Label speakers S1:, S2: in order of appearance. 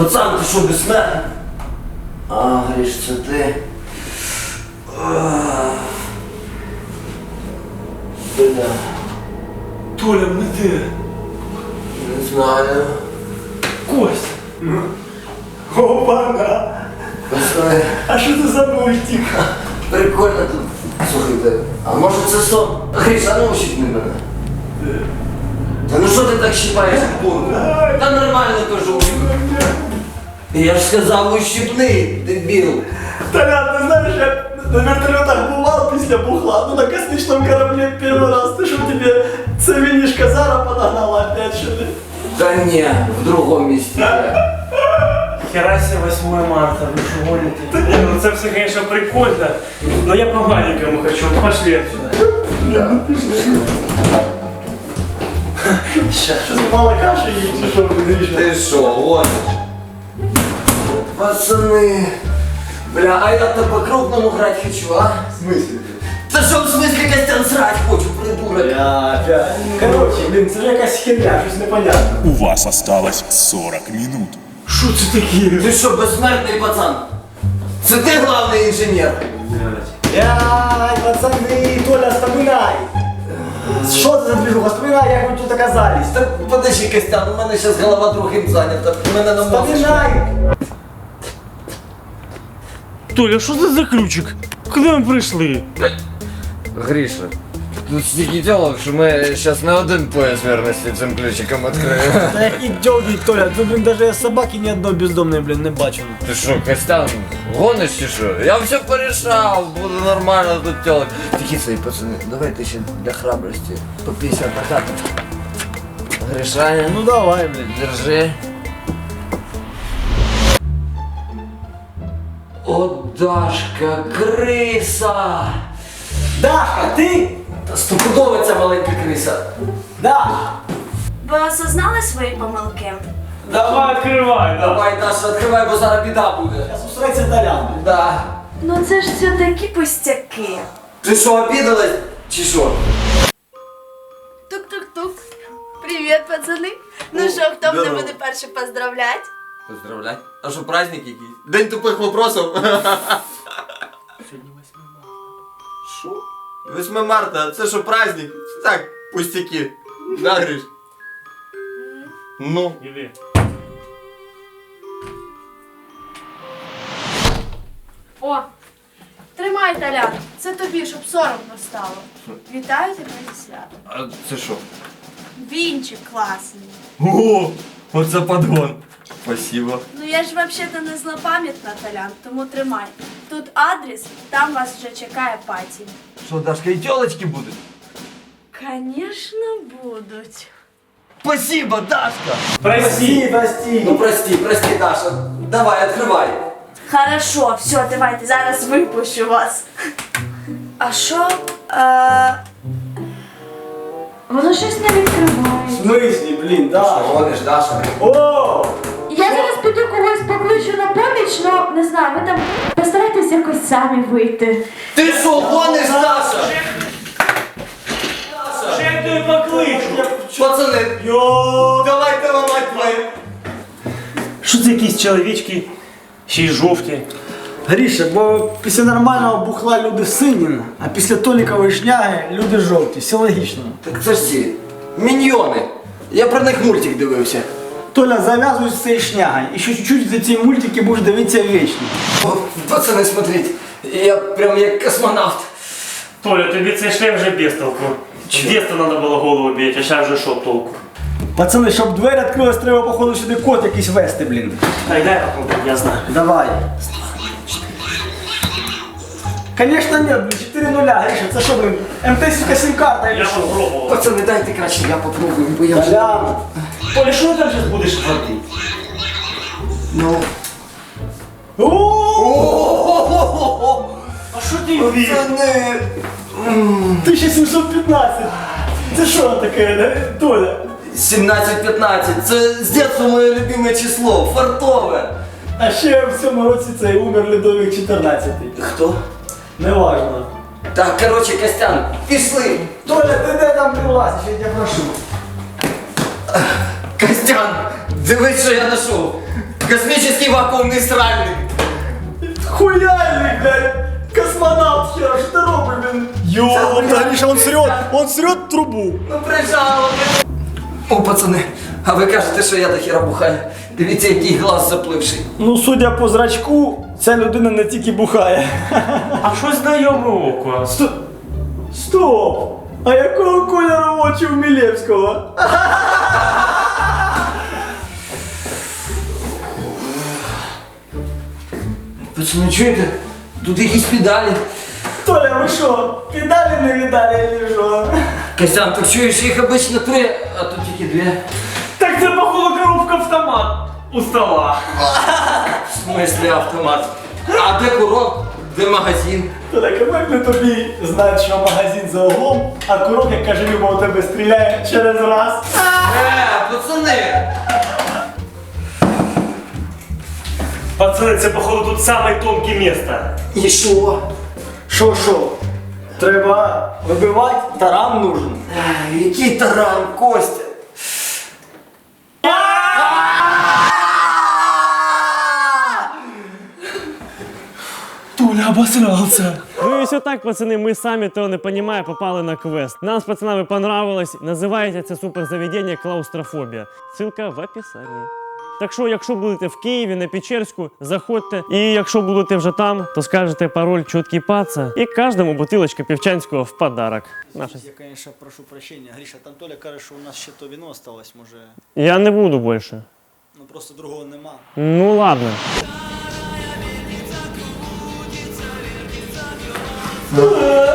S1: Пацан, ти що, без мене? А, Гриш, це ти? Бля.
S2: Толя, ми де?
S1: Не знаю.
S2: Кость! Опа-на!
S1: Пацани,
S2: А що це за мультик?
S1: прикольно тут. Слухайте, а може це сон? Гриш, а ну ущипни мене. Та ну що ти так щипаєш курку? Та нормально кажу. Я ж сказав, ущипни, дебіл.
S2: Толя, ти знаєш, я на вертольотах бував після бухла, ну на космічному кораблі перший раз. Ти що, тебе це вінішка Зара подогнала опять, що ли?
S1: Та ні, в другому місці.
S3: Херася 8 марта, вы что гоните? Не, ну это все, конечно, прикольно, но я по маленькому хочу, пошли отсюда.
S1: Да.
S2: Щас мало каші їй, чи що ви вирішили?
S1: Ти що, гониш? Пацани. Бля, а я-то по-крупному грати хочу, а?
S2: В смысле?
S1: Та що в смислі Костян срать хочу, придурок?
S2: Я опять. Короче, блін, це ж якась херня, щось непонятне.
S4: У вас осталось 40 минут.
S2: Що це таке?
S1: Ти що, безсмертний пацан? Це ти главний інженер?
S2: Яй, пацаны, Толя, вспоминай! Що це за движуха? Вспоминай, як ви тут оказались.
S1: Та подожди, Костян, у мене зараз голова другим зайнята, мене на мозок.
S2: Вспоминай!
S3: Толя, что это за ключик? Куда мы пришли?
S1: Гріша, тут стільки тілок, що ми зараз не один пояс вірності цим ключиком відкриємо.
S2: Та які дьоги, Толя, тут, блін, даже собаки ні одної бездомної, блін, не бачив.
S1: Ти що, Костян, гониш чи що? Я все порішав, буде нормально тут тілок. Такі свої пацани, давайте ще для храбрості по 50 на хату. Гришаня,
S2: Ну давай, блін.
S1: держи. О, Дашка, криса!
S2: Дашка, ти?
S1: Та стопудово ця маленька криса.
S2: Да!
S5: Ви осознали свої помилки?
S3: Давай, открывай,
S1: Давай, Даша, відкривай, бо зараз біда буде.
S2: Зараз устроїться Толян.
S1: Да.
S5: Ну це ж все такі пустяки.
S1: Ти що, обідалась? Чи що?
S5: Тук-тук-тук. Привіт, пацани. Ну що, хто мене буде перший поздравлять?
S1: Поздравлять. А що, праздник якийсь? День тупих вопросов.
S3: Сьогодні 8 марта.
S1: Що? 8 марта, це що, праздник? Так, пустяки. Да, Гриш? Ну.
S3: Іди.
S5: О, тримай, Толян. Це тобі, щоб соромно стало. Вітаю тебе зі святом.
S1: А це що?
S5: Вінчик класний.
S1: О, оце подгон. Спасибо.
S5: Ну я ж взагалі-то не злопам'ятна, Толян, тому тримай. Тут адрес, там вас вже чекає паті.
S1: Що, Дашка, і тілочки будуть?
S5: Конечно, будуть.
S1: Спасибо, Дашка!
S3: Прости.
S2: Прости.
S1: Ну прости, Даша. Давай, відкривай.
S5: Хорошо, все, давайте, зараз випущу вас. А що? Воно щось не відкриває.
S2: В смислі, блін,
S1: Що,
S2: да.
S1: гониш, Даша?
S2: О!
S5: Я зараз піду когось покличу на поміч, но не знаю, ви там постарайтесь якось самі вийти.
S1: Ти що, гониш, Даша?
S3: Ще я тобі покличу.
S1: Пацани,
S2: Йо!
S1: давайте ламати двері.
S3: Що це якісь чоловічки? Ще й жовті.
S2: Гріша, бо після нормального бухла люди сині, а після Толікової шняги люди жовті. Все логічно.
S1: Так це ж ці міньйони. Я про них мультик дивився.
S2: Толя, зав'язуй з цією шнягою. І ще чуть-чуть за ці мультики будеш дивитися вічно.
S1: О, пацани, смотрите, я прям як космонавт.
S3: Толя, тобі цей шлем вже без толку. З детства треба було голову бити, а зараз вже що толку?
S2: Пацани, щоб двері відкрились, треба, походу, сюди код якийсь вести, блін.
S3: Дай попробуй, я знаю.
S2: Давай. Конечно нет, блин, 4-0, Гриша, це що, блин, МТ-сівка сім-карта или
S3: Я
S2: що?
S3: попробував.
S1: Пацани, дайте краще, я попробую, бо я вже...
S2: Толян.
S3: Толя, що ти там зараз будеш робити?
S1: Ну...
S2: О,
S3: А що ти вбив?
S1: Пацани...
S2: 1715. Це що таке, да? Толя?
S1: 17-15, це з дитинства моє любиме число, фартове.
S2: А ще в цьому році цей умер Людовік 14.
S1: Хто?
S2: Неважно.
S1: Так, короче, Костян, пішли.
S2: Толя, ти де там прилазиш, я тебе прошу.
S1: Костян, дивись, що я знайшов. Космический вакуумный сральник.
S2: Хуяльник, блядь! Космонавт хера, что ты робишь, блин? Ёлка, Гриша, он срет трубу.
S1: Ну прижало. О, пацани, а ви кажете, що я до хіра бухаю? Дивіться, який глаз запливший.
S2: Ну, судя по зрачку, ця людина не тільки бухає.
S3: А що знайоме око?
S2: Стоп! А якого кольору очі у Мілєвського?
S1: Пацани, чуєте? Тут якісь педалі.
S2: Толя, ви що, педалі не видали, чи що?
S1: Костян, так чуєш, їх обично 3, а тут тільки 2.
S3: Так це, походу, коробка автомат у стола.
S1: В смислі автомат? А де курок? Де магазин?
S2: Толя, як не тобі знати, що магазин за углом, а курок, як каже Люба, у тебе стріляє через раз.
S1: Пацани!
S3: Пацани, це, походу, тут саме тонке місце.
S1: І що?
S2: Що? Треба вибивати, таран нужен.
S1: Який таран, Костя?
S2: Толя обосрался.
S6: Ну и все так, пацаны, мы сами, то не понимая, попали на квест. Нам с пацанами понравилось. Називається це суперзаведення клаустрофобія. Ссылка в описанні. Так що, якщо будете в Києві, на Печерську, заходьте. І якщо будете вже там, то скажете пароль «Чоткий паца» і кожному бутилочка півчанського в подарок. Наша.
S7: Я, конечно, прошу прощения. Гриша, там Толя каже, що у нас ще то вино осталось, може.
S6: Я не буду більше.
S7: Ну просто другого нема.
S6: Ну ладно.
S2: Толя!